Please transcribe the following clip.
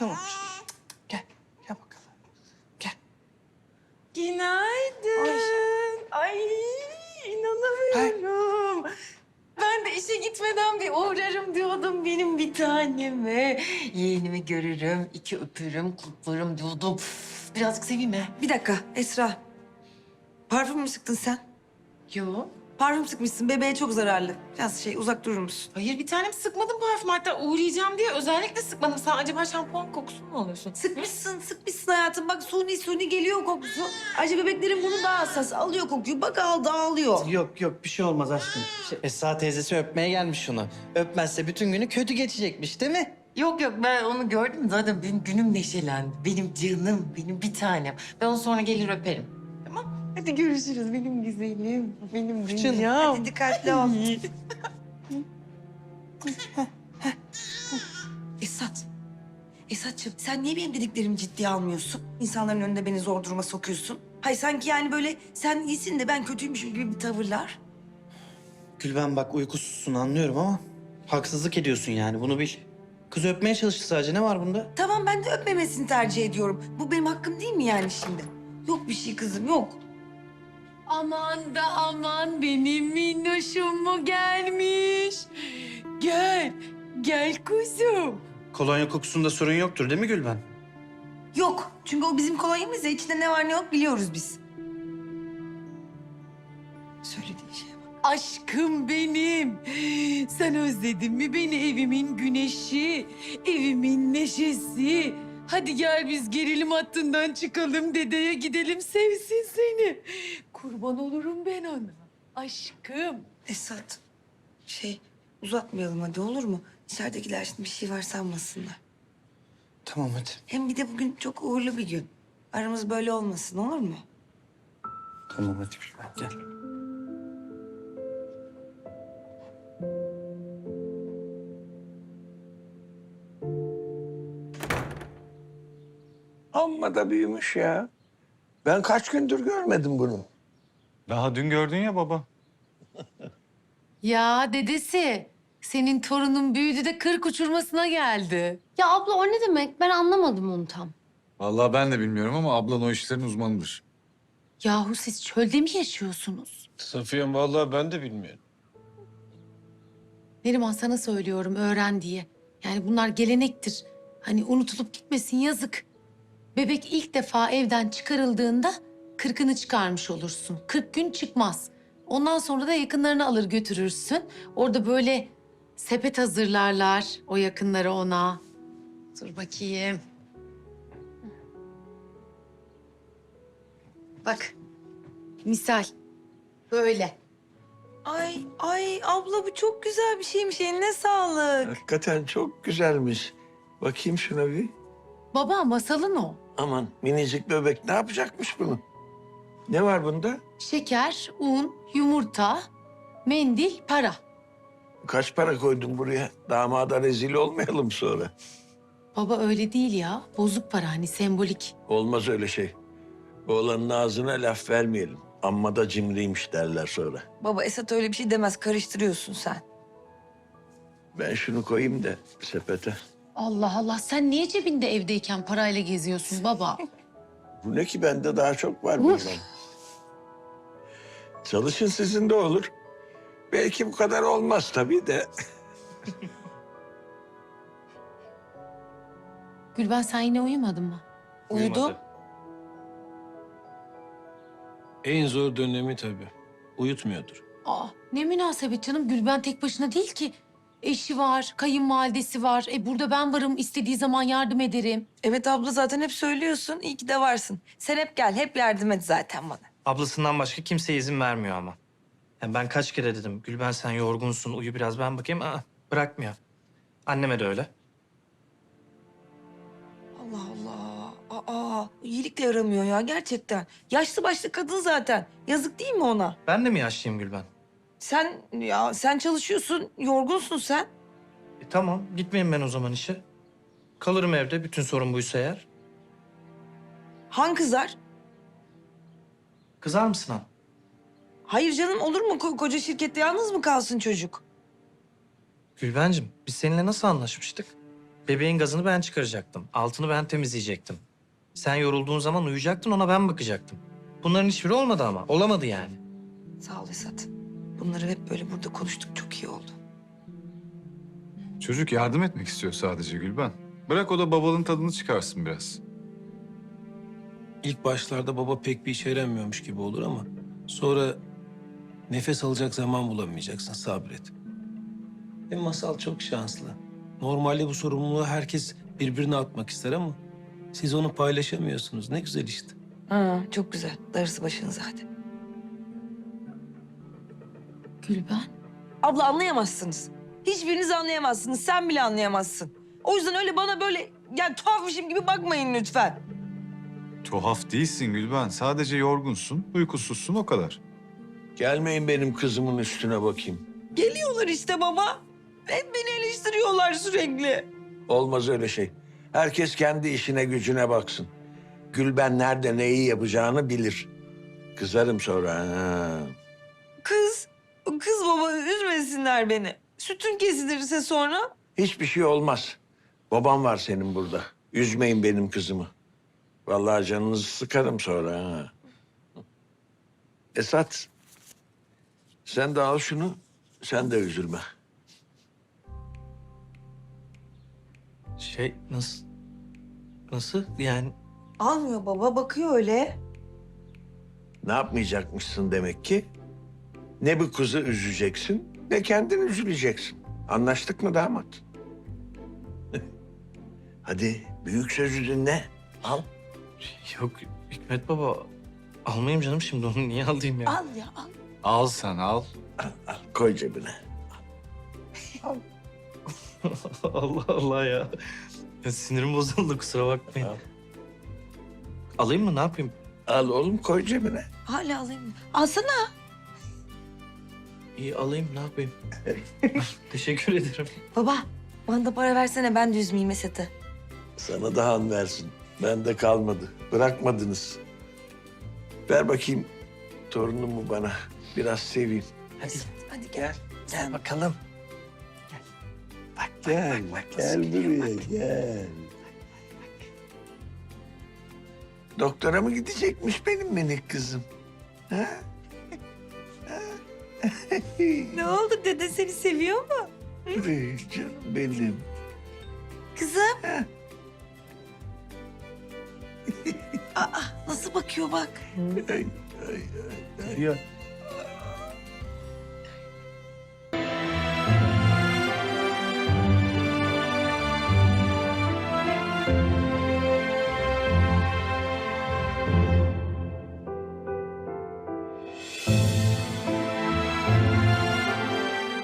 Tamam. Gel. Gel bakalım. Gel. Günaydın. Ay inanamıyorum. Ben de işe gitmeden bir uğrarım diyordum benim bir taneme. Yeğenimi görürüm, iki öpürüm, kutlarım diyordum. Birazcık seveyim mi? Bir dakika Esra. Parfüm mü sıktın sen? Yok. Parfüm sıkmışsın. Bebeğe çok zararlı. Biraz uzak durur musun? Hayır bir tanem sıkmadım parfüm. Hatta uğrayacağım diye özellikle sıkmadım. Sen acaba şampuan kokusu mu alıyorsun? Sıkmışsın hayatım. Bak suni geliyor kokusu. Ayrıca bebeklerin bunu daha hassas. Alıyor kokuyu. Bak dağılıyor. Yok bir şey olmaz aşkım. Esra teyzesi öpmeye gelmiş şunu. Öpmezse bütün günü kötü geçecekmiş değil mi? Yok ben onu gördüm zaten benim günüm neşelendi. Benim canım, benim bir tanem. Ben onu sonra gelir öperim. Tamam? Hadi görüşürüz benim güzelim, benim dünyam. Hadi dikkatli ol. Esat'cığım sen niye benim dediklerimi ciddiye almıyorsun? İnsanların önünde beni zor duruma sokuyorsun. Hayır sanki yani böyle sen iyisin de ben kötüymüşüm gibi bir tavırlar. Gülben bak uykusuzsun anlıyorum ama haksızlık ediyorsun yani bunu bil. Kız öpmeye çalıştı sadece ne var bunda? Tamam ben de öpmemesini tercih ediyorum. Bu benim hakkım değil mi yani şimdi? Yok bir şey kızım yok. Aman da aman benim minnoşum mu gelmiş? Gel kuzum. Kolonya kokusunda sorun yoktur değil mi Gülben? Yok çünkü o bizim kolonyamız ya içinde ne var ne yok biliyoruz biz. Söylediği şeye bak. Aşkım benim. Sen özledin mi beni evimin güneşi, evimin neşesi? Hadi gel biz gerilim hattından çıkalım dedeye gidelim sevsin seni. Kurban olurum ben ona. Aşkım. Esat uzatmayalım hadi olur mu? İçeridekiler şimdi bir şey var sanmasınlar. Tamam hadi. Hem bir de bugün çok uğurlu bir gün. Aramız böyle olmasın olur mu? Tamam hadi Gülben gel. Amma da büyümüş ya. Ben kaç gündür görmedim bunu. Daha dün gördün ya baba. Ya dedesi, senin torunun büyüdü de 40 uçurmasına geldi. Ya abla o ne demek? Ben anlamadım onu tam. Vallahi ben de bilmiyorum ama ablan o işlerin uzmanıdır. Yahu siz çölde mi yaşıyorsunuz? Safiye'm vallahi ben de bilmiyorum. Neriman sana söylüyorum öğren diye. Yani bunlar gelenektir. Hani unutulup gitmesin yazık. Bebek ilk defa evden çıkarıldığında 40'ını çıkarmış olursun. 40 gün çıkmaz. Ondan sonra da yakınlarını alır götürürsün. Orada böyle sepet hazırlarlar o yakınları ona. Dur bakayım. Bak. Misal. Böyle. Ay abla bu çok güzel bir şeymiş. Eline sağlık. Hakikaten çok güzelmiş. Bakayım şuna bir. Baba masalın o. Aman minicik bebek ne yapacakmış bunu? Ne var bunda? Şeker, un, yumurta, mendil, para. Kaç para koydun buraya? Damada rezil olmayalım sonra. Baba öyle değil ya. Bozuk para hani sembolik. Olmaz öyle şey. Oğlanın ağzına laf vermeyelim. Amma da cimriymiş derler sonra. Baba Esat öyle bir şey demez. Karıştırıyorsun sen. Ben şunu koyayım da sepete. Allah Allah sen niye cebinde evdeyken parayla geziyorsun baba? Bu ne ki bende daha çok var bundan. Çalışın sizin de olur. Belki bu kadar olmaz tabii de. Gülben sen yine uyumadın mı? Uyudu. En zor dönemi tabii. Uyutmuyordur. Aa, ne münasebet canım Gülben tek başına değil ki. Eşi var, kayınvalidesi var. Burada ben varım istediği zaman yardım ederim. Evet abla zaten hep söylüyorsun. İyi ki de varsın. Sen hep gel. Hep yardım et zaten bana. Ablasından başka kimseye izin vermiyor ama. Yani ben kaç kere dedim Gülben sen yorgunsun uyu biraz ben bakayım. Bırakmıyor. Anneme de öyle. Allah Allah. İyilik de yaramıyor ya gerçekten. Yaşlı başlı kadın zaten. Yazık değil mi ona? Ben de mi yaşlıyım Gülben? Sen çalışıyorsun. Yorgunsun sen. Tamam gitmeyeyim ben o zaman işe. Kalırım evde bütün sorun buysa eğer. Han kızar? Kızar mısın han? Hayır canım olur mu? Koca şirkette yalnız mı kalsın çocuk? Gülbencim biz seninle nasıl anlaşmıştık? Bebeğin gazını ben çıkaracaktım. Altını ben temizleyecektim. Sen yorulduğun zaman uyuyacaktın, ona ben bakacaktım. Bunların hiçbiri olmadı ama. Olamadı yani. Sağ ol Esat. Bunları hep böyle burada konuştuk. Çok iyi oldu. Çocuk yardım etmek istiyor sadece Gülben. Bırak o da babalığın tadını çıkarsın biraz. İlk başlarda baba pek bir işe yaramıyormuş gibi olur ama sonra nefes alacak zaman bulamayacaksın, sabret. Hem Masal çok şanslı. Normalde bu sorumluluğu herkes birbirine atmak ister ama siz onu paylaşamıyorsunuz. Ne güzel işte. Ha, çok güzel. Darısı başınıza hadi. Gülben. Abla anlayamazsınız. Hiçbiriniz anlayamazsınız. Sen bile anlayamazsın. O yüzden öyle bana böyle yani tuhafmışım gibi bakmayın lütfen. Tuhaf değilsin Gülben. Sadece yorgunsun, uykusuzsun o kadar. Gelmeyin benim kızımın üstüne bakayım. Geliyorlar işte baba. Hep beni eleştiriyorlar sürekli. Olmaz öyle şey. Herkes kendi işine gücüne baksın. Gülben nerede neyi yapacağını bilir. Kızarım sonra. Ha. Kız baba üzmesinler beni. Sütün kesilirse sonra. Hiçbir şey olmaz. Babam var senin burada. Üzmeyin benim kızımı. Vallahi canınızı sıkarım sonra. Ha. Esat, sen de al şunu. Sen de üzülme. Nasıl? Nasıl? Yani Almıyor baba bakıyor öyle. Ne yapmayacakmışsın demek ki? Ne bu kızı üzeceksin, ne kendini üzüleceksin. Anlaştık mı damat? Hadi büyük sözü dinle. Al. yok Hikmet baba. Almayayım canım şimdi, onu niye alayım ya? Al ya al. Al sen al. Al, koy cebine. Allah Allah ya. Ya sinirim bozuldu, kusura bakmayın. Al. Alayım mı, ne yapayım? Al oğlum, koy cebine. Hala alayım. Alsana. İyi alayım, ne yapayım? Teşekkür ederim. Baba bana da para versene ben de üzmeyeyim Esat'ı. Sana da han versin. Bende kalmadı. Bırakmadınız. Ver bakayım torunumu bana. Biraz seveyim. Hadi Hadi gel. gel bakalım. Gel, gel buraya, gel. Doktora mı gidecekmiş benim minik kızım? Ha? Ne oldu dede seni seviyor mu? Canım benim. Kızım. Aa, nasıl bakıyor bak. Ay, ay, ay, ay.